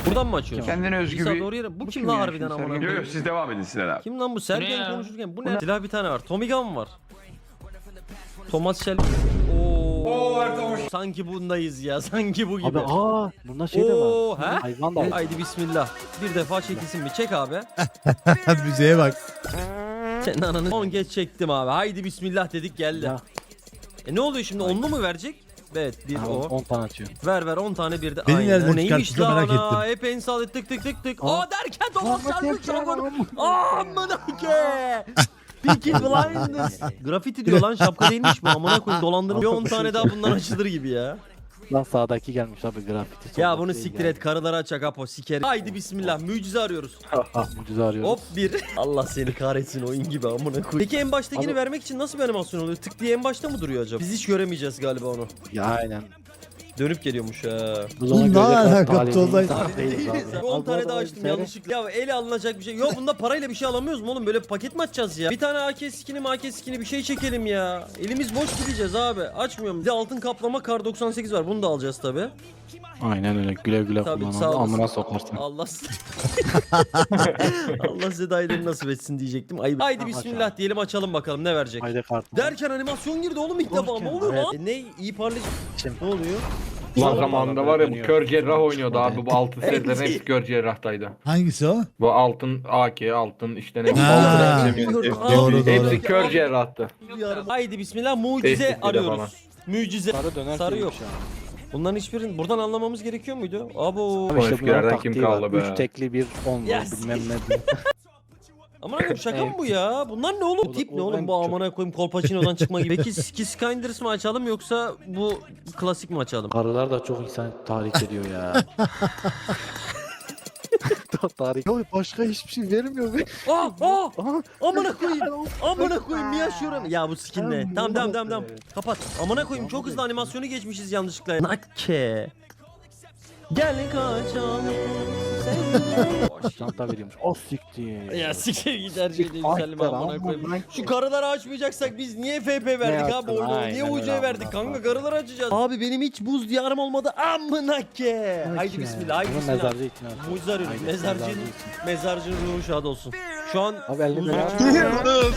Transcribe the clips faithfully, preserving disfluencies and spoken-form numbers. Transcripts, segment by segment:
Buradan mı açıyorsun? Kendine özgü İsa bir... doğru yere. Bu, Bu kim kim lan ya harbiden şimdi amına Sergen? koyayım? Yok yok siz devam edin Sinan abi. Kim lan bu? Bu Sergen ne ya? konuşurken. Bu Bu ne? ne? Silah bir tane var. Tommy Gun var. Thomas Shelby. Oo. Sanki bundayız ya. Sanki bu gibi. Abi aa bunda şey de Oo, var. he? Hayvan da var. Haydi bismillah. Bir defa çekilsin mi? Çek abi. Müziğe bak. Senin ananı on geç çektim abi. Haydi bismillah dedik geldi. Ya. E ne oluyor şimdi? Onlu mu verecek? Evet bir Ha, o. on tane atıyor. Ver ver on tane bir de. Beni Aynen. nereden Bu neymiş çıkarttı lan merak ana? ettim. Hep en sağ tık tık tık tık. Aa. Aa derken Thomas Aa, Shelby bak, Dragon. bak, Amına ke. Peaky Blinders. Grafiti diyor lan şapka değilmiş bu. Amına koyayım dolandırma. Bir on tane daha bundan açılır gibi ya. Lan sağdaki gelmiş abi grafiti. Ya bunu siktir et. Karıları açacak Apo siker. Haydi bismillah. Mucize arıyoruz. Mucize arıyoruz. Hop bir. Allah seni kahretsin oyun gibi amına koyayım. Peki en baştakini Abi- vermek için nasıl bir animasyon oluyor? Tık diye en başta mı duruyor acaba? Biz hiç göremeyeceğiz galiba onu. Ya aynen. Dönüp geliyormuş ha. Bu Oğlum, zamana ne göre alaka talihli Tolunay? insan değiliz abi. on tane Al, daha al, açtım seyret. yanlışlıkla. Ya ele alınacak bir şey. Yok bunda parayla bir şey alamıyoruz mu oğlum? Böyle paket mi açacağız ya? Bir tane A K skini M A K skini bir şey çekelim ya. Elimiz boş gideceğiz abi. Açmıyorum. Bir de altın kaplama kar doksan sekiz var. Bunu da alacağız tabi. Aynen öyle güle güle Tabii, kullan sağ abi. olasın. Amına sokarsın. Allah Allah size dayıları nasip etsin diyecektim. Ayıp. Haydi bismillah diyelim açalım bakalım ne verecek. Haydi kart. Derken animasyon girdi oğlum ilk defa. Ne oluyor Evet. lan? E, ne? İyi parlayıcı. Şimdi- Ne oluyor? Lan Sonra zamanında bana var ya bu dönüyor. kör cerrah oynuyordu Model. abi. Bu altın serilerin hepsi kör cerrahtaydı. Hangisi o? Bu altın A K, altın işte ne Ha, altın hepsi, Aa, doğru, hepsi doğru. kör cerrahtı. Haydi bismillah mucize Tehdit bir de arıyoruz. bana. Mucize. Sarı döner Sarı şeymiş yok. ya. Bunların hiçbirini buradan anlamamız gerekiyor muydu? Abo. Abi işte eskilerden bunların kim taktiği var. kaldı be? Üç tekli bir on var Yes. bilmem ne. Aman koyayım şaka mı bu ya? Bunlar ne oğlum? O da- Tip o ne oğlum en bu çok- amına koyayım Kolpaçino'dan çıkma gibi. Peki Ski Skinders mı açalım yoksa bu klasik mi açalım? Karılar da çok insan tahrik ediyor ya. Tahrik. Ya başka hiçbir şey vermiyor be. Aa aa Aha. amına koyayım. Amına koyayım niye açıyorum? Ya bu skin ne? Tamam, Tamam tamam tamam bu tamam. da- Kapat. Amına koyayım çok hızlı animasyonu geçmişiz yanlışlıkla. Nakke. Gel kaçalım. seninle. Çanta veriyormuş. O siktir. Ya siktir git her şeyde yükselim Aynen, amına koyayım. amına Şu karıları açmayacaksak biz niye F P verdik abi yaptın? oyunu? Niye Aynen U C öyle verdik amına kanka koyayım. karıları açacağız. Abi benim hiç buz diyarım olmadı amına ke. Haydi bismillah haydi Bunu bismillah. mezarcı ikna et. Mucize arıyoruz. Haydi, Mezarcının, mezarcı için. mezarcının ruhu şad olsun. Şu an Abi elde Muzu- bela.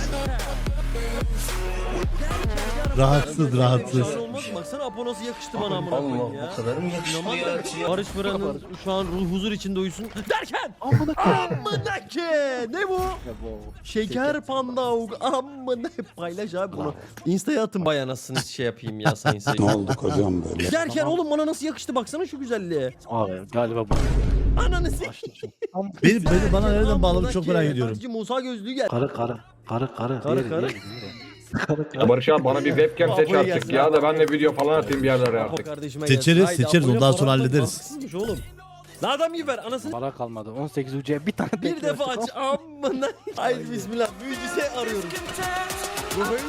Rahatsız rahatsız. Şahane olmaz mı? Baksana Apo nasıl yakıştı bana amına koyayım ya. O kadar mı yakıştı ya? Barış Fıran'ın şu an ruh huzur içinde uyusun. Derken Amına koyayım. amına ke. Ne bu? Ya bu- Şeker panda amına paylaş abi bunu. Insta'ya atın bay anasını şey yapayım ya sayın seyirciler. Ne oldu hocam böyle? Derken oğlum bana nasıl yakıştı baksana şu güzelliğe. Abi galiba bu. Ananı s***. Açtım. Beni, beni bana nereden Amına bağladı çok ke. merak ediyorum. Hacı Musa gözlüğü gel. Karı karı. Karı karı. Karı, Diğeri, karı. diğeri, diğeri. Karı Ya karı. Barış abi bana bir webcam seç Apo'yu artık gelsin ya abi. da ben de video falan atayım bir yerlere Apo artık. kardeşime Seçeriz, gelsin. Haydi, seçeriz, Apo'yla ondan sonra Polat'tan hallederiz. haksızmış oğlum. Lan adam gibi ver anasını. Para kalmadı. on sekiz ucuya bir tane Bir bekliyor. defa aç amına. Haydi bismillah mucize arıyoruz. Bu böyle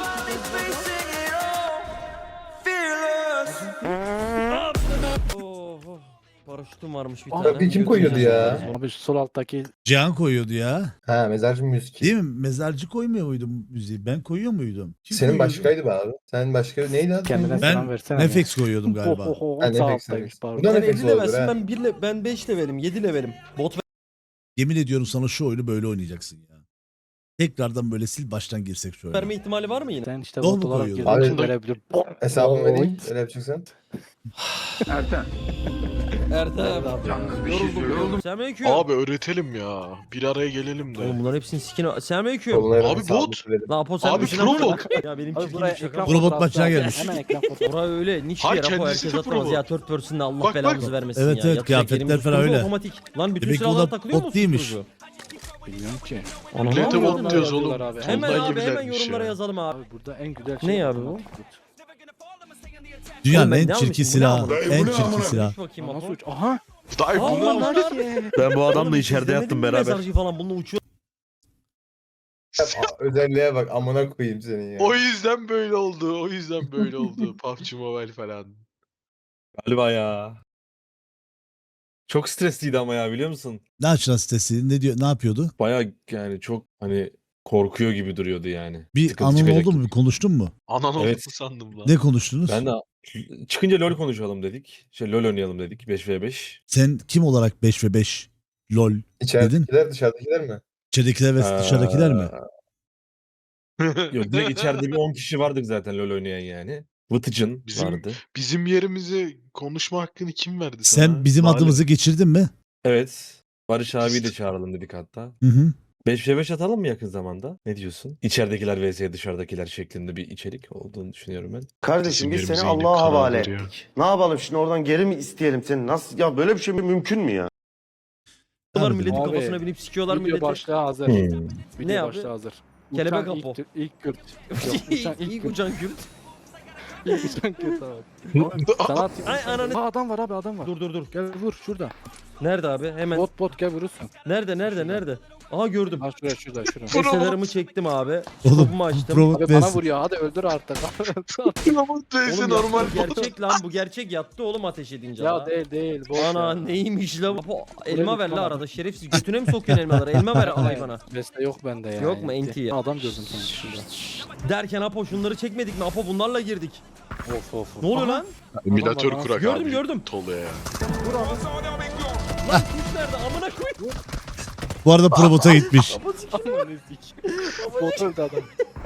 Oh, oh. Paraşütüm varmış bir tane. Abi kim koyuyordu ya? Abi şu sol alttaki Cihan koyuyordu ya. Ha mezarcı müzik. Değil mi? Mezarcı koymuyor muydum müziği? Ben koyuyor muydum? Kim Senin koyuyordu? başkaydı be abi. Sen başka neydi adı? kendine Ben selam versene. Nefex koyuyordum galiba. Oho, Ha, sağ Nefex, alttaymış Nefex. pardon. Bu da Sen Nefes elli levelsin olabilir ha. ben bir le ben beş levelim yedi levelim. Bot Yemin ediyorum sana şu oyunu böyle oynayacaksın ya. Tekrardan böyle sil baştan girsek şu oyuna. verme ihtimali var mı yine? Sen işte Dol bot mu olarak koyuyordun? Abi- gözünü verebilir. Hesabımı vereyim. Oy. Öyle yapacaksan. Erten. Ertem. Yalnız bir şey Yoruldum söyleyeyim. yoruldum. Selamünaleyküm. Abi öğretelim ya. Bir araya gelelim de. Oğlum bunların hepsinin sikine. Selamünaleyküm. Kolları Abi hesabımı bot. verelim. Lan Apo sen Abi misin? pro bot. Ya benim Abi çirkin buraya bir şaka. ekran Robot fotoğrafı maçına al. gelmiş. Hemen ekran fotoğrafı. Oraya öyle niş Hayır, yer Apo kendisi herkes de atamaz pro ya. bot. Third person'da Allah Bak, belanızı bak. vermesin Evet, ya. evet, Yapacak kıyafetler elimiz falan tutuyor, öyle. Otomatik. Lan bütün Demek ki o silahlar da takılıyor mu? bot değilmiş. susturucu? Bilmiyorum ki. Millete Anam. bot diyoruz oğlum. Abi. Hemen Ondan abi hemen gibilermiş yorumlara ya. yazalım abi. Abi burada en güzel Ne şey. abi bu? otomatik tut. Dünyanın Oğlum ben en ne çirkin almışım? Bu ne silahı. amına? En çirkin silah. Düş bakayım Nasıl Apo. uç? Aha. Dayı Aa, bunu lan lan. Ben bu adamla Oğlum, içeride siz demedin yattım mi beraber. Mezarcı falan bununla uçuyor. Aa, özelliğe bak amına koyayım senin ya. O yüzden böyle oldu. O yüzden böyle oldu. P U B G Mobile falan. Galiba ya. Çok stresliydi ama ya biliyor musun? Ne açılan sitesi? Ne diyor? Ne yapıyordu? Baya yani çok hani korkuyor gibi duruyordu yani. Bir Sıkıntı anın çıkacak oldu mu? gibi. Bir konuştun mu? Anan Evet. oldu sandım lan. Ne konuştunuz? Ben de Çıkınca LoL konuşalım dedik. Şey LoL oynayalım dedik beş ve beş. Sen kim olarak beş ve beş lol dedin? İçeridekiler dışarıdakiler mi? İçeridekiler ve dışarıdakiler mi? Yok direkt içeride bir on kişi vardık zaten LoL oynayan yani. Vıtıcın Bizim- vardı. Bizim yerimize konuşma hakkını kim verdi sana? Sen bizim Zalim. adımızı geçirdin mi? Evet. Barış abiyi de çağıralım dedik hatta. Hı hı. beş ve beş atalım mı yakın zamanda? Ne diyorsun? İçeridekiler vs dışarıdakiler şeklinde bir içerik olduğunu düşünüyorum ben. Kardeşim biz Bizim seni yerimize Allah'a yine karar havale veriyor. ettik. Ne yapalım şimdi oradan geri mi isteyelim seni? Nasıl ya böyle bir şey mümkün mü ya? Harbiden. Milletin Abi, kafasına binip sikiyorlar Video milleti. başlığı hazır. Hmm. Video Ne abi? başlığı hazır. Kelebek Uçan Apo. ilk, ilk Kürt. Yok, uçan ilk İlk Kürt. uçan Kürt. İlk uçan Kürt abi. Sana atayım. Ay ananı. Aa, adam var abi adam var. Dur dur dur. Gel vur şurada. Nerede abi? Hemen. Bot bot gel vurursun. Nerede nerede nerede? Aha gördüm. Ha şuraya şurada şurada. Eselerimi çektim abi. Oğlum Topumu açtım. Pro Abi bana Vs. vuruyor hadi öldür artık. Umut Reis'i Oğlum normal. yattı, gerçek lan bu gerçek yattı oğlum ateş edince ya la. değil değil. Boş Ana ya. neymiş la? Apo, elma ver la lütfen arada şerefsiz. Götüne mi sokuyorsun elmaları? Elma ver hayvana. Beste yok bende ya. Yok mu? Enti ya. Adam gördüm sana şurada. Derken Apo şunları çekmedik mi? Apo bunlarla girdik. Of of. Ne oluyor Aha. lan? Emülatör Adam var, kurak Gördüm, abi. gördüm. Toluya ya. Lan kuş nerede? Amına koyayım. Bu arada Probot'a gitmiş. Apo sikiyor. Aman ezik. Bot öldü adam.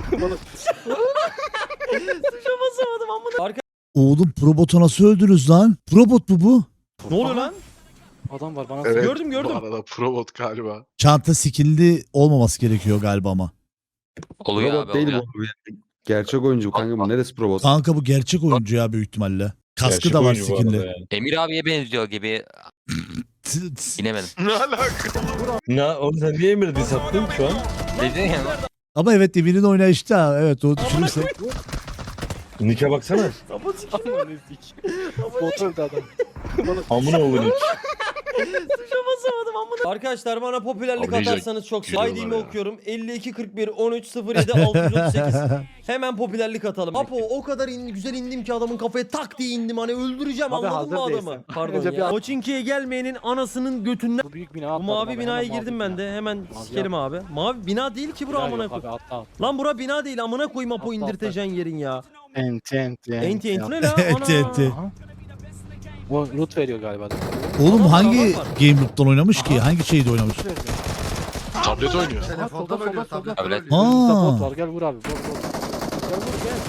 Tuşa basamadım amına. Arka. Oğlum Probot'u nasıl öldünüz lan? Probot mu bu? Ne oluyor lan? Adam var bana Evet, Gördüm, gördüm. Bu arada Probot galiba. Çanta skill'li olmaması gerekiyor galiba ama. Oluyor Robot abi değil oluyor. bu. Gerçek oyuncu kanka bu neresi robot? Kanka bu gerçek oyuncu ya büyük ihtimalle. Kaskı Gerçek da var oyuncu bu arada skinli. yani. Emir abiye benziyor gibi. T- t- İnemedim. Ne alaka? Ne oğlum sen niye Emir'i diss attın şu an? Ne diyorsun ya? Ama evet Emir'in oynayışı da evet o Amına düşünürsek. koyayım. Nick'e baksana. Apo sikiyor. Aman ezik. Bot öldü adam. Amına oğlu Nick. Tuşa basamadım amına. Arkadaşlar bana popülerlik Abi neyse, atarsanız çok gülüyorlar sevinirim. I D'mi ya. okuyorum. elli iki kırk bir on üç sıfır yedi altı yüz otuz sekiz. Hemen popülerlik atalım. Apo o kadar in, güzel indim ki adamın kafaya tak diye indim. Hani öldüreceğim Abi anladın mı hazır adamı? değilsin. Pardon Önce ya. bir- Koçinki'ye gelmeyenin anasının götünden. Bu büyük bina Bu atladım mavi abi, binaya hemen mavi girdim ben bina. de. Hemen Mavi sikerim abi. Mavi bina değil ki bura Bina amına yok koy. abi atla. Lan bura bina değil amına koyayım Apo Atla, indirteceksin yerin ya. Enti enti Enti enti ne la? Enti, Ana. enti. Aha. Bu loot veriyor galiba. Oğlum Adam hangi var, var. Game Loop'tan oynamış ki? Hangi şeyde oynamış? Loot veriyor. Tablet oynuyor. Aha, solda solda solda. Tablet. Burada bot Aa. var gel vur abi. Bot bot. Gel vur gel.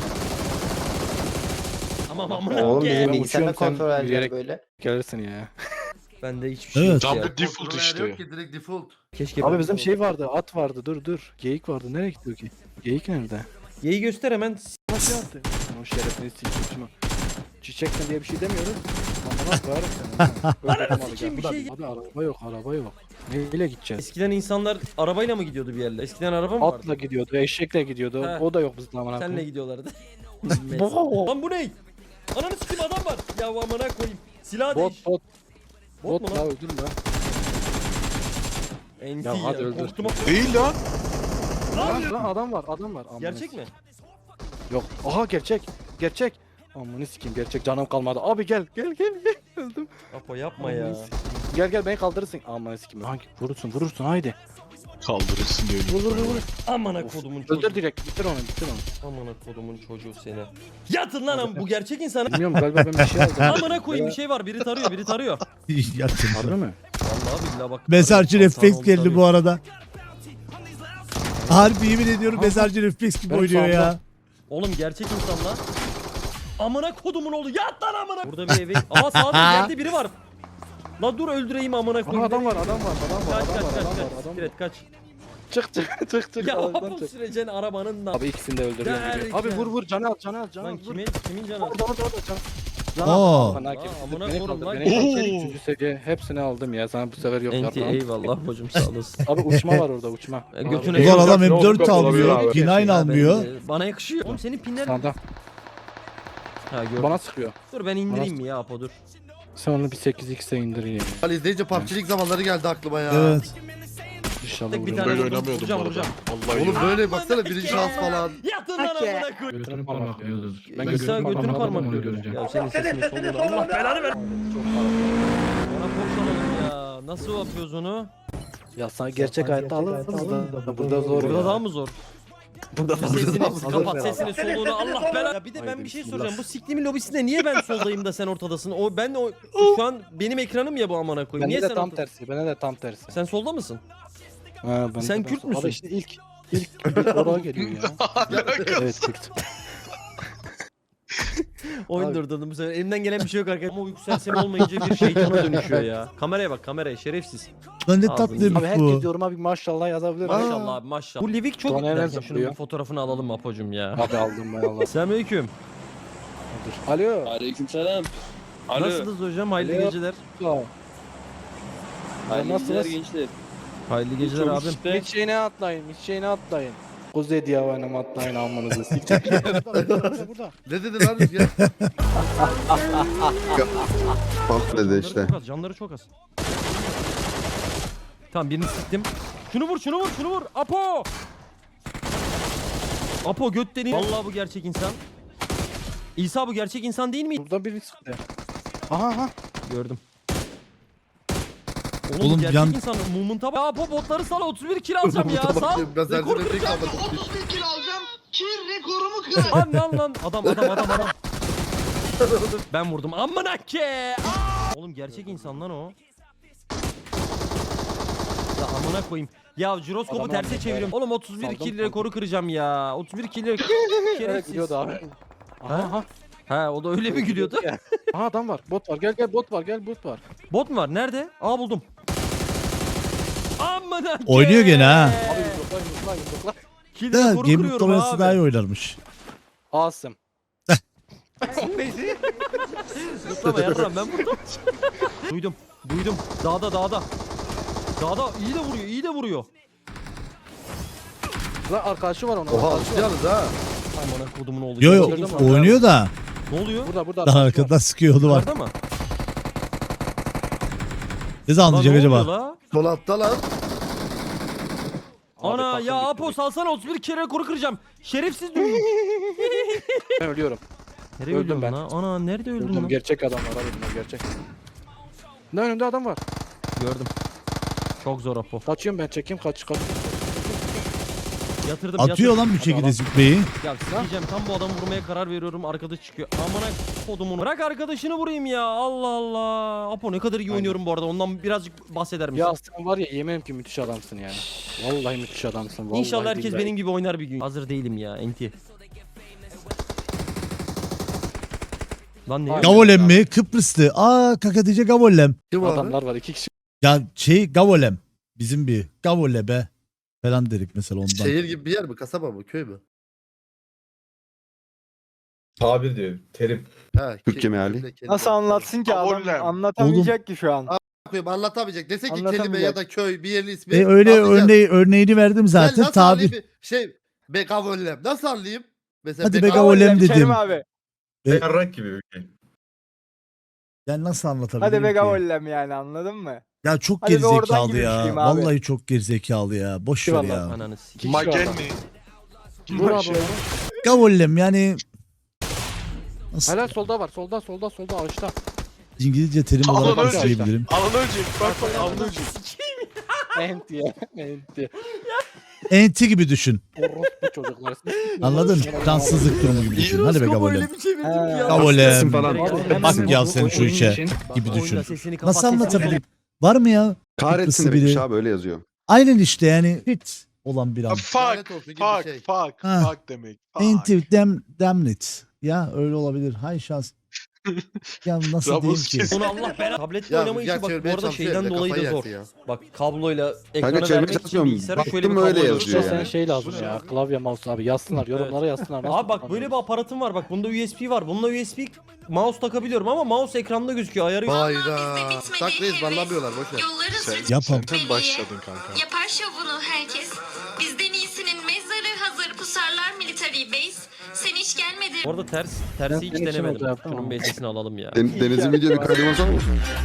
Tamam amına Oğlum koyayım. bizim Ben bilgisayarda uçuyorum, sen kontrol edeceğim yürüyerek- böyle. Gelirsin ya. Bende hiçbir şey Evet. yok ya. Tablet default işte. Keşke Abi bizim şey vardı, at vardı. Dur dur. Geyik vardı. Nereye gitti o geyik? Geyik nerede? Yeyi göster hemen. Nasıl yaptı? O şerefini sikeyim. Çiçekten diye bir şey demiyoruz. Amına koyarım seni. Öldürdüm abi, sikeyim, gel. bir şey- Abi araba yok, araba yok. Neyle gideceğiz? Eskiden insanlar arabayla mı gidiyordu bir yerlere? Eskiden araba mı vardı? Atla gidiyordu, eşekle gidiyordu. He. O da yok bizde amına Senle koyayım. gidiyorlardı. Bo- Lan bu ne? Ananı sikeyim adam var. Ya amına koyayım. Silah değiş. Bot bot. Bot Bot mu la lan? öldürme. Enti Ya ya. hadi öldür. Korktum. Değil lan. Lan, lan adam var, adam var. Amına Gerçek mi? Yok. Aha gerçek. Gerçek. Amına sikeyim gerçek canım kalmadı. Abi gel gel gel gel. Öldüm. Apo yapma ya. Gel gel beni kaldırırsın. Amına sikeyim. Hangi vurursun vurursun haydi. Kaldırırsın diyor. Vur vur vur. vur. Amına Of, kodumun Öldür çocuğu. direkt bitir onu bitir onu. Amına kodumun çocuğu seni. Yatın lan am bu gerçek insan. Bilmiyorum galiba ben bir şey aldım. Amına koyayım bir şey var. Biri tarıyor, biri tarıyor. Yaktım. Harbi mi? Vallahi billahi bak. Mezarcı tarıyor, refleks sağ- sağ- geldi tarıyor. bu arada. Harbi yemin ediyorum mezarcı refleks gibi Ben oynuyor ya. sağımda. Oğlum gerçek insan lan. Amına kodumun oğlu yat lan amına. Burada bir eve. Aa sağda geldi biri var. La dur öldüreyim amına Aha, koyayım. adam var adam var adam var Kaç adam kaç var kaç adam var kaç. adam var. Sikret kaç. Çık çık çık çık. Ya arabadan bu çık. sürecen arabanın da. Abi ikisini de öldürüyorum gibi. Derken. Abi vur vur canı al canı al canı al. Lan Vur. kimin kimin canı? Orada orada orada can. Aa. Bana Aa, kim? amına Beni koyayım kaldır lan. beni kaldır. Oo. Üçüncü seviye hepsini aldım ya sana bu sefer yok Enti yapmam. eyvallah hocam sağ olasın. Abi uçma var orada uçma. E, götüne Ulan adam Yok, M dört yok, olabilir almıyor. abi. P dokuz almıyor. Ben de- Bana yakışıyor. Oğlum senin pinler. Sağda. Ha gördüm. Bana sıkıyor. Dur ben indireyim mi ya Apo dur. Sen onu bir sekiz x'e indir ya. Ali izleyince P U B G'lik zamanları geldi aklıma ya. Evet. İnşallah Tek bir vururum. tane Böyle vurdum, oynamıyordum vuracağım, bu arada. vuracağım. Vallahi Oğlum yok. böyle baksana birinci şans falan. Yatın lan amına koy. Götünü parmak yiyordur. Ben götünü götünü parmak göreceğim. Ya senin sesini soluğunu Allah belanı ver. Çok Ona korksanalım ya. Nasıl yapıyoruz onu? Ya sana gerçek hayatta alırız da burada zor Burada ya. daha mı zor? Burada Sesini Hazır kapat, beraber. sesini soluğunu Allah belanı. Ya bir de ben Haydi bir şey bismillah. soracağım. Bu siklimin lobisinde niye ben soldayım da sen ortadasın? O ben de o şu an benim ekranım ya bu amına koyayım. Niye Bende de sen tam ortada- tersi. Bende de tam tersi. Sen solda mısın? Ha, ben Sen de Kürt tam- müsün? Abi işte ilk ilk ilk oraya geliyor ya. Evet Kürt. Oyun Abi. durdurdum bu sefer. Elimden gelen bir şey yok arkadaşlar. Ama uyku sersemi olmayınca bir şeytana dönüşüyor ya. Kameraya bak kameraya şerefsiz. Lan ne Ağzını tatlıymış Abi herkes bu. yoruma bir maşallah yazabilir. Maşallah abi maşallah. Bu Livik çok Doneler derken şunun zıplıyor. bir fotoğrafını alalım Apo'cum ya. Abi aldım ben Allah. Selamünaleyküm. Dur. Alo. Aleykümselam. Nasılsınız hocam? Hayırlı Alo. geceler. Alo. Hayırlı Nasılsınız? geceler gençler. Hayırlı geceler Çok abim. işte. Hiç şeyine atlayın, hiç şeyine atlayın. Kuzey diye oynama atlayın almanızı siktir. Burada, burada, burada. Ne dedi lan Rüzgar? Bak dedi Canları işte. çok az, canları çok az. Tamam birini siktim. Şunu vur, şunu vur, şunu vur. Apo! Apo göt deniyor. Vallahi bu gerçek insan. İsa bu gerçek insan değil mi? Burada biri sıktı. Aha aha. Gördüm. Oğlum, Oğlum bu gerçek yan- insan. Movement'a bak. Ya Apo botları sal otuz bir kill alacağım ya. Sal. Ben Rekor sence de tek almadım. Lan lan lan. Adam adam adam adam. Ben vurdum. Amına ke. Aa! Oğlum gerçek insan lan o. Ya amına koyayım. Ya jiroskopu Adamı terse aldım, çeviriyorum. Oğlum otuz bir Saldım, kill saldım. rekoru kıracağım ya. otuz bir kill Evet şerefsiz. gidiyordu abi. Aha aha. Ha o da öyle mi gülüyordu? Aha adam var. Bot var. Gel gel bot var. Gel bot var. Bot mu var? Nerede? Aa buldum. Amına ke. Oynuyor gene ha. Abi yumrukla yumrukla yumrukla. Kill Da rekoru Game kırıyorum Muhtemelen daha iyi abi. oynarmış. Asım. Zıplama yarram ben vurdum. Duydum. Duydum. Dağda dağda. Dağda iyi de vuruyor. iyi de vuruyor. Lan arkadaşı var onun. Oha arkadaşı var. alışacağınız ha. Amına kodumun oğlu. Yo yo Gerçek insan. oynuyor da Ne oluyor? Burada burada daha arkadaşı var. arkadan sıkıyordu var. Yukarıda mı? Ne zaman Lan anlayacak ne oluyor acaba? la? Sol altta lan. Abi Ana takım ya bitti Apo bu. salsana otuz bir kere rekoru kıracağım. Şerefsiz düğün. Ben ölüyorum. Nereye Öldüm öldüm ben. lan? Ana nerede öldün Öldüm. lan? Gerçek adamlar abi bunlar gerçek. Ne önümde adam var. Gördüm. Çok zor Apo. Kaçıyorum ben çekeyim kaç kaç. Yatırdım Atıyor yatırdım. lan bir şekilde züppeyi. Ya sikeceğim tam bu adamı vurmaya karar veriyorum arkadaş çıkıyor. Amına kodumun. Bırak arkadaşını vurayım ya. Allah Allah. Apo ne kadar iyi Aynen. oynuyorum bu arada. Ondan birazcık bahseder misin? Ya sen var ya yemin ki müthiş adamsın yani. Vallahi müthiş adamsın. Vallahi İnşallah herkes billahi. benim gibi oynar bir gün. Hazır değilim ya enti. Lan ne? Abi. Gavolem mi? Kıbrıslı. Aa kakadice Gavolem. Kim abi? Adamlar var iki kişi. Ya şey Gavolem. Bizim bir Gavolebe falan dedik mesela ondan. Şehir gibi bir yer mi? Kasaba mı? Köy mü? Tabir diyor. Terim. Ha, Türkçe ke- meali. kelime, kelime. Nasıl anlatsın ki adam Abollem. anlatamayacak ki şu an. Koyayım, anlatamayacak. Dese ki kelime Anlatamayacak. ya da köy bir yerin ismi. E öyle anlayacağız. örneği örneğini verdim Ben zaten nasıl tabi. anlayayım? Şey be gavollem. Nasıl anlayayım? Mesela Hadi be be gav- Gavolem Kerim dedim. abi. E- Yarrak gibi bir şey. Ben nasıl anlatabilirim Hadi be ki? gavollem yani anladın mı? Ya çok Hadi be oradan gerizekalı gibi ya. düşeyim abi. Vallahi çok gerizekalı ya. Boş ver Eyvallah. ya. Ananı sikeyim. İki kişi var adam. Magenni. Vur abi onu. Gavolem yani nasıl Helal solda var. Solda solda solda ağaçta. İngilizce terim Alan olarak ölecek. söyleyebilirim. Alan ölecek. Bak bak alan ölecek. Enti ya. Enti. Enti gibi düşün. Orospu çocuklar. Anladın? Cansızlık durumu gibi düşün. Hadi be Jiroskopu Gavolem. öyle bir çevirdim ki ya. Gavolem. falan. Bak ya sen şu işe gibi Oyunda düşün. sesini kapat, Nasıl sesini anlatabilirim? Var mı ya? Kahretsin Kıbrıslı demiş biri. abi öyle yazıyor. Aynen işte yani hit olan bir Ha, an. Lanet Fuck. olsun gibi bir Fuck. şey. Fuck. Ha. Fuck demek. Fuck. Enti dem damnit. Ya öyle olabilir. Hay şans. Ya nasıl Ramos diyeyim ki? kesin. Onu Allah belanı. Tabletle Ya oynama işi Rüzgar bak bu çevirmeye arada çalışıyor şeyden ya, dolayı kafayı da zor. yersin ya. Bak kabloyla ekrana çevirmeye vermek için çalışmıyorum. bilgisayara şöyle bir Baktım öyle kablo yazıyor Sen yani. şey lazım ya. Klavye mouse abi yazsınlar. Yorumlara yazsınlar. Nasıl Abi bak böyle bir aparatım var bak bunda U S B var. Bununla U S B mouse takabiliyorum ama mouse ekranda gözüküyor ayarı yok. Hayda. Saklayız banlamıyorlar boşver. Sen, Yapam. sen başladın kanka. Yapar şovunu herkes. Bizden iyisinin mezarı hazır pusarlar military base. Sen hiç gelmedin. Orada ters tersi Ben hiç senin için denemedim. orada yaptım Şunun ama. bir sesini alalım ya. Den- Deniz'in videonu kaydırmasa mı?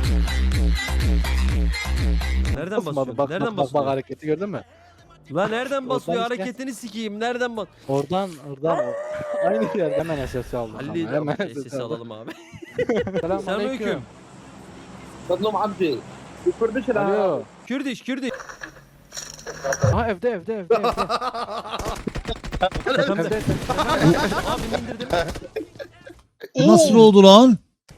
Nereden Basmadı. basıyor? Bak Nereden bak bak, bak basıyor? hareketi gördün mü? Lan nereden basıyor? Oradan işte. Hareketini sikeyim. Nereden bas? Oradan oradan o. Aynı yer hemen S S aldım. Halil Hemen sesi alalım abi. Selamünaleyküm. Selamünaleyküm. Tatlım abdi. Alo. Kürdiş, Kürdiş. Ha evde evde evde evde. Tepemde. Abi indirdim. Nasıl oldu lan?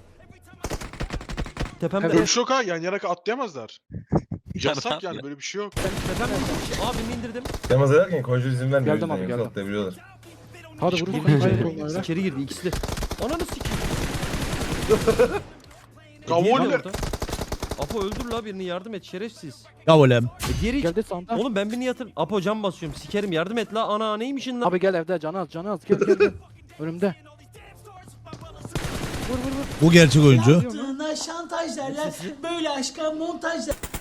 Tepemde. Böyle bir şey yok ha. Yan yana atlayamazlar. Yasak yani böyle bir şey yok. Tepemde. Abi indirdim. Demaz ederken koyucu izin vermiyor. Geldim abi, yüzden, yoksa geldim. atlayabiliyorlar. Hadi vurun. Girdi Hayır, içeri. onlara. İçeri girdi ikisi de. Ananı sikeyim. Gavoller. Apo öldür la birini yardım et şerefsiz. Ya olem. E diğeri Geldi sağında. Oğlum ben birini yatır. Apo cam basıyorum sikerim yardım et la ana neymişin lan. Abi gel evde canı az canı az. Gel gel gel. Önümde. Vur vur vur. Bu gerçek oyuncu. Yaptığına şantaj derler. Böyle aşka montaj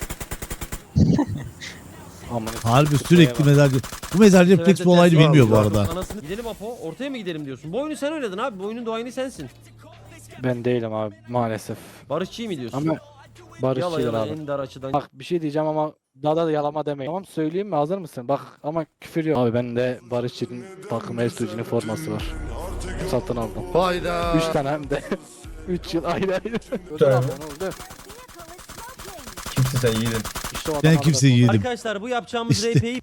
Aman. Harbi sürekli mezarcı. Bu mezarcı refleks bu olayını bilmiyor bu arada. Anasını gidelim Apo ortaya mı gidelim diyorsun. Bu oyunu sen oynadın abi bu oyunun doğayını sensin. Ben değilim abi maalesef. Barışçıyı mı diyorsun? Ama Yala barışçıyım yala abi. en dar açıdan. Bak bir şey diyeceğim ama daha da yalama demeyin. Tamam söyleyeyim mi hazır mısın? Bak ama küfür yok. Abi bende Barışçı'nın takım Estuji'nin forması var. Satın aldım. Hayda. Üç tane hem de. Üç yıl ayrı ayrı. Ödül tane. aldım, ne oldu? Kimsin sen yiğidin? İşte o Ben adam kimseyi aldı. yedim. Arkadaşlar bu yapacağımız İşte. R P'yi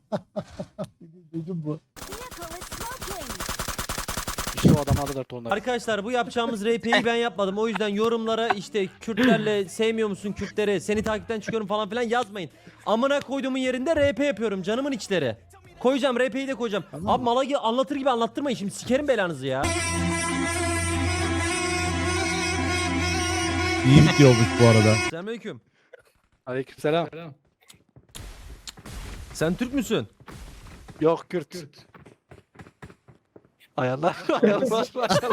İşte o adam aldılar tonları. Arkadaşlar bu yapacağımız R P'yi ben yapmadım. O yüzden yorumlara işte Kürtlerle sevmiyor musun Kürtleri? Seni takipten çıkıyorum falan filan yazmayın. Amına koyduğumun yerinde R P yapıyorum canımın içleri. Koyacağım R P'yi de koyacağım. Abi mala gibi anlatır gibi anlattırmayın şimdi sikerim belanızı ya. İyi bitiyormuş bu arada. Selamünaleyküm. Aleykümselam. Sen Türk müsün? Yok Kürt. Ayarlar. Ayarlar.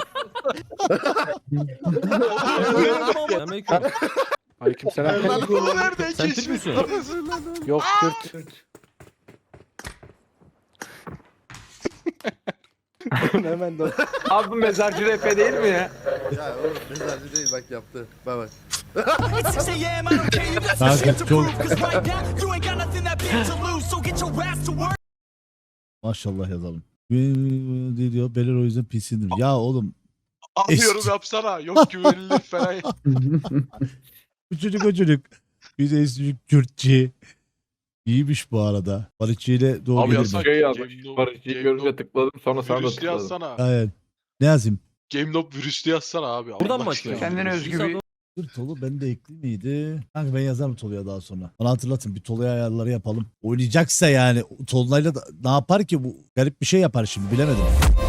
Selamünaleyküm. Aleykümselam. Nereden Sen Türk müsün? Yok Kürt. Hemen de. Abi bu mezarcı rap değil mi ya? Ya oğlum mezarcı değil bak yaptı. Bak bak. Kanka çok... Maşallah yazalım. Ne diyor? Beler o yüzden pisindir. Ya oğlum Anlıyorum Eski- yapsana. Yok güvenilir falan. bu çocuk o çocuk. Bir de ismi Kürtçi. İyiymiş bu arada. Barışçı ile doğru Abi gelir yazsak. mi? Şey yazmış. Game Nob- Barışçı'yı Game görünce Nob- tıkladım sonra sana da Virüslü tıkladım. yazsana. Aynen. Ne yazayım? Game Nob virüslü yazsana abi. Buradan Allah mı aşkına. açıyorsun? Kendine özgü İsa bir- doğru- Dur Tolu bende ekli miydi? Kanka ben yazarım Tolu'ya daha sonra. Bana hatırlatın bir Tolu'ya ayarları yapalım. Oynayacaksa yani Tolu'yla da ne yapar ki bu? Garip bir şey yapar şimdi bilemedim.